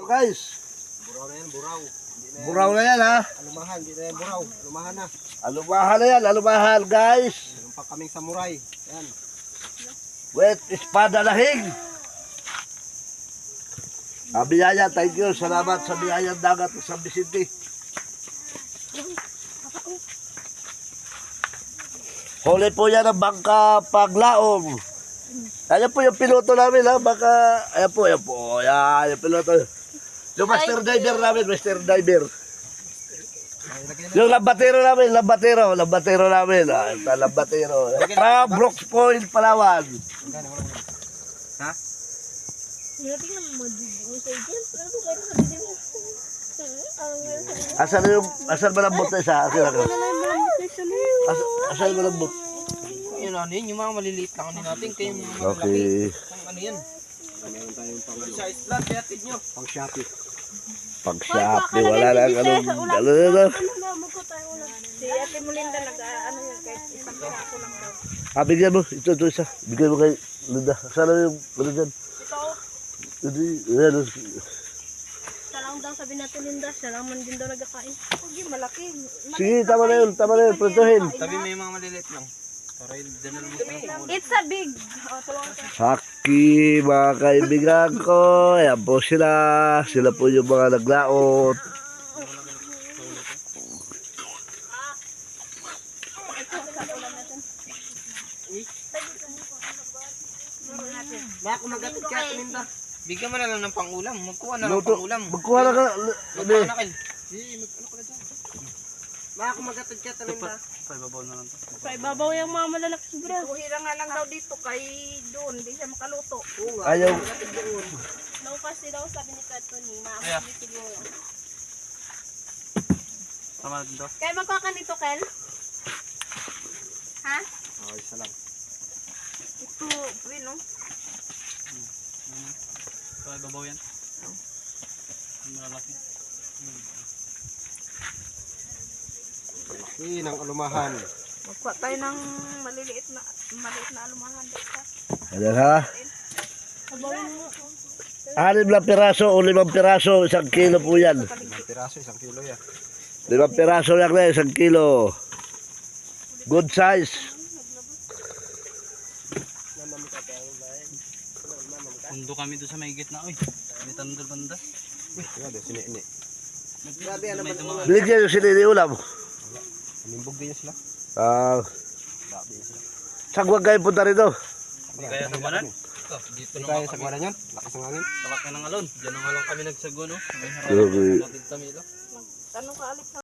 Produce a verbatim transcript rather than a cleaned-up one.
So guys, Buraw na yan, buraw. buraw na yan ha. Alumahan, hindi na yan buraw. Alumahan na. Alumahan na yan, alumahan guys. Meron pa kaming samurai. Yan. Wet espada lahing. Ah, biyaya, thank you. Salamat sa biyayang dagat sa San Vicente. Huli po yan ang bangka paglaong. Ayan po yung piloto namin ha. Baka, ayan po, ayan po. Ayan, yung piloto. Yung master diver namin, master diver. Yung lambatero namin, lambatero, lambatero namin. Ah, ito, lambatero. From Brooks Point, Palawan. Ha? Asan yung, asan malambot na isa? Asan ako? Asan, asan malambot? Yun ano yun, yung mga maliliit lang ano natin, kayo yung mga malalaki. Okay. Ang ano yan? Meron tayong pang, Sa isla, kayatid nyo. pang Shopee. Pag Shopee, wala lang anong, ano na na. Si Ate Melinda nag-ano yun, kahit isang piraso lang daw. Ah, bigyan mo. Ito, ito isa. Bigyan mo kay Linda. Saan na yung, ano dyan? Ito, Hindi, yan. siya lang daw sabi natin Linda, siya lang man din daw nagkakain. Hindi, malaki. Sige, tama na yun, tama na yun. Printuhin. Sabi may mga maliliit lang. Para yung dinala mo sa mga It's a big. Oh, tulungan ka. Haki, mga kaibigan ko. Ayan po sila. Sila po yung mga naglaot. Baka kumagatid ka, Linda. Bigyan mo na lang ng pangulam. Magkuha na lang ng Luto. pangulam. Magkuha na ka. Magkuha na kayo. Baka kumagatid ka, Talinda. Pa ibabaw yung mga malalaki siguro. Kuhira nga lang daw dito kay doon, hindi siya makaluto. Ayaw. No kasi daw sabi ni Katoni, maamali siguro. Tama din daw. Kaya magkuha ka nito, Kel? Ha? Oh, isa lang. Ito, win, no? Kaya babaw yan. Malaki. Laki ng alumahan. Magkuha tayo ng maliliit na maliit na alumahan dito. Ayan ha. Sabawin mo. Anim lang piraso o limang piraso. Isang kilo po yan. Isang piraso, isang kilo yan. Limang piraso lang na isang kilo. Good size. Pundo kami doon sa may gitna. Uy, may tandol banda. Grabe, sini-ini. Grabe, ano ba ito? Binigyan yung sinini ulam. Nimbog din sila. Ah, Grabe sila. sagwag kayo punta rito. Hindi kaya sagwanan? Ito, dito Hindi na kaya nga kami. sagwanan yan. Lakas ng hangin. Talak na ng alon. Diyan na nga lang kami nagsagwan. Oh. May Okay. harap. Kapit Tamilo. Tanong ka, Alex.